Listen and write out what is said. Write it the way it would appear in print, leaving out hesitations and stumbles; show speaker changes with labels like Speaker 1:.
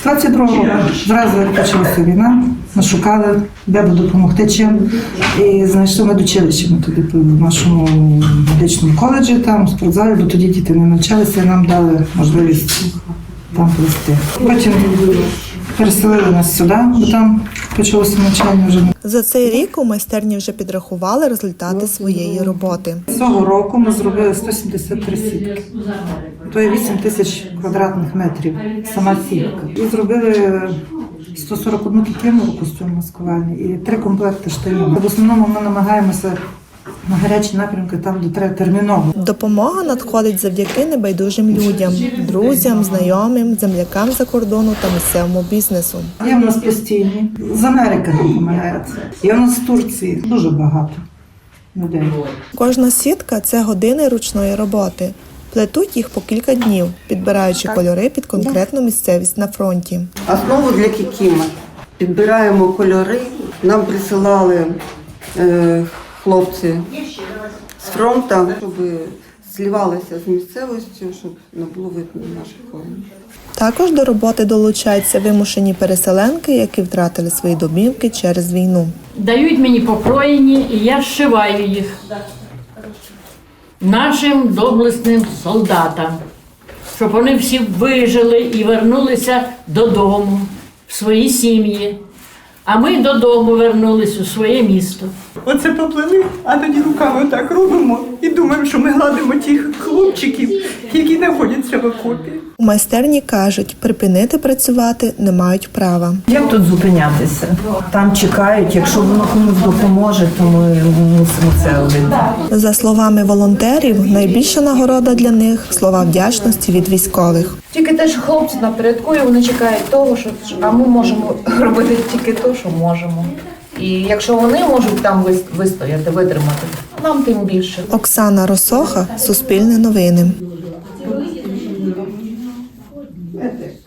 Speaker 1: 22 року, зразу як почалася війна, ми шукали, де би допомогти чим. І знайшли медучилище, ми туди в нашому медичному коледжі, там, в спортзалі, бо тоді діти не навчалися, і нам дали можливість там плести. Потім переселили нас сюди, бо там почалося навчання вже.
Speaker 2: За цей рік у майстерні вже підрахували результати своєї роботи.
Speaker 1: Цього року ми зробили 173 сітки. То є 8 тисяч квадратних метрів сама сітка. І зробили 141 кітину костюм маскувальний і 3 комплекти штанів. В основному ми намагаємося на гарячі напрямки, там, де треба терміново.
Speaker 2: Допомога надходить завдяки небайдужим людям, друзям, знайомим, землякам за кордону та місцевому бізнесу.
Speaker 1: Є в нас постійні. З Америки допомагають. Є в нас з Турції. Дуже багато людей.
Speaker 2: Кожна сітка – це години ручної роботи. Плетуть їх по кілька днів, підбираючи кольори під конкретну місцевість на фронті.
Speaker 3: Основу для кікіма. Підбираємо кольори. Нам присилали хлопці з фронту, щоб зливалися з місцевістю, щоб не було видно наших воїнів.
Speaker 2: Також до роботи долучаються вимушені переселенки, які втратили свої домівки через війну.
Speaker 4: Дають мені покроєні, і я зшиваю їх нашим доблесним солдатам, щоб вони всі вижили і вернулися додому, в свої сім'ї. А ми додому вернулись у своє місто.
Speaker 5: Оце поплели, а тоді руками отак робимо і думаємо, що ми гладимо тих хлопчиків, які знаходяться в окопі.
Speaker 2: У майстерні кажуть, припинити працювати не мають права.
Speaker 6: Як тут зупинятися? Там чекають, якщо воно комусь допоможе, то ми мусимо це робити.
Speaker 2: За словами волонтерів, найбільша нагорода для них – слова вдячності від військових.
Speaker 7: Тільки те, що хлопці на передку, і вони чекають того, що а ми можемо робити тільки те, що можемо. І якщо вони можуть там вистояти, витримати, нам тим більше.
Speaker 2: Оксана Росоха, Суспільне новини.